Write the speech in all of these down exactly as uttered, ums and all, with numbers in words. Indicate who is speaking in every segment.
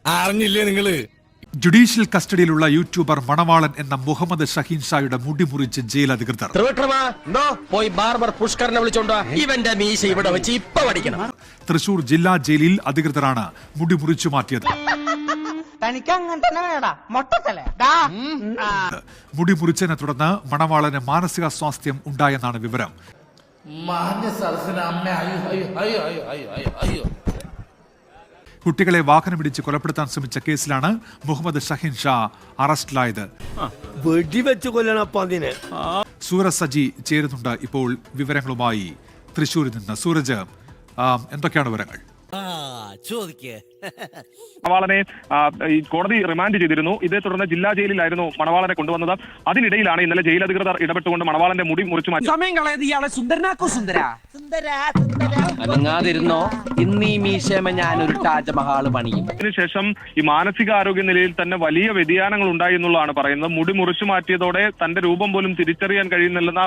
Speaker 1: അറിഞ്ഞില്ലേ നിങ്ങള്?
Speaker 2: Judicial കസ്റ്റഡിയിലുള്ള YouTuber മണവാളൻ എന്ന മുഹമ്മദ് ഷഹീൻ ഷായുടെ മുടി മുറിച്ച് ജയിൽ അധികൃതർ.
Speaker 1: പോയി ബാർബർ പുഷ്കറിനെ വിളിച്ചോണ്ടോ, ഇവന്റെ മീശ ഇവിടെ വെച്ച് ഇപ്പൊ പഠിക്കണം.
Speaker 2: തൃശൂർ ജില്ലാ ജയിലിൽ അധികൃതരാണ് മുടി മുറിച്ചു മാറ്റിയത്. മുടി മുറിച്ചതിനെ തുടർന്ന് മണവാളന് മാനസികാസ്വാസ്ഥ്യം ഉണ്ടായെന്നാണ് വിവരം. കുട്ടികളെ വാഹനമിടിച്ച് കൊലപ്പെടുത്താൻ ശ്രമിച്ച കേസിലാണ് മുഹമ്മദ് ഷഹീൻ ഷാ അറസ്റ്റിലായത്.
Speaker 3: വെടിവെച്ച് കൊല്ലണപ്പ അതിനെ.
Speaker 2: സൂരജ് സജി ചേരുന്നുണ്ട് ഇപ്പോൾ വിവരങ്ങളുമായി തൃശ്ശൂരിൽ നിന്ന്. സൂരജ്, എന്തൊക്കെയാണ് വിവരങ്ങൾ?
Speaker 4: മണവാളനെ കോടതി റിമാൻഡ് ചെയ്തിരുന്നു. ഇതേ തുടർന്ന് ജില്ലാ ജയിലിലായിരുന്നു മണവാളനെ കൊണ്ടുവന്നത്. അതിനിടയിലാണ് ഇന്നലെ ജയിൽ അധികൃതർ ഇടപെട്ടുകൊണ്ട് മണവാളന്റെ മുടി മുറിച്ചു മാറ്റി.
Speaker 5: സമയം കളയത് ഇയാളെ സുന്ദരനാക്കോ സുന്ദര
Speaker 1: അനങ്ങാതിരുന്നോ, ഇന്നീ മീശമ ഞാനൊരു താജ്മഹാള് പണിയും.
Speaker 4: അതിനുശേഷം ഈ മാനസികാരോഗ്യ നിലയിൽ തന്നെ വലിയ വ്യതിയാനങ്ങൾ ഉണ്ടായി എന്നുള്ളതാണ് പറയുന്നത്. മുടി മുറിച്ചു മാറ്റിയതോടെ തന്റെ രൂപം പോലും തിരിച്ചറിയാൻ കഴിയുന്നില്ലെന്ന.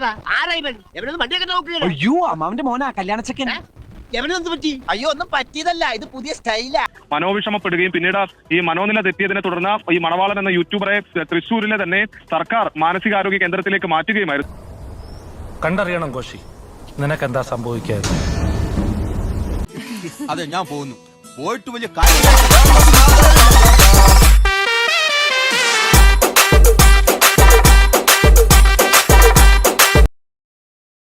Speaker 5: അയ്യോ അമ്മാവന്റെ മോനാ കല്യാണച്ചക്കൻ.
Speaker 6: അയ്യോ ഒന്നും പറ്റിയതല്ല, ഇത് പുതിയ സ്റ്റൈലാ.
Speaker 4: മനോവിഷമപ്പെടുകയും പിന്നീട് ഈ മനോനില തെറ്റിയതിനെ തുടർന്ന് ഈ മണവാളൻ എന്ന യൂട്യൂബറെ തൃശ്ശൂരിലെ തന്നെ സർക്കാർ മാനസികാരോഗ്യ കേന്ദ്രത്തിലേക്ക് മാറ്റുകയുമായിരുന്നു.
Speaker 7: കണ്ടറിയണം കോശി, നിനക്കെന്താ സംഭവിക്കാതെ?
Speaker 1: അതെ, ഞാൻ പോകുന്നു. പോയിട്ട് വലിയ കാര്യം.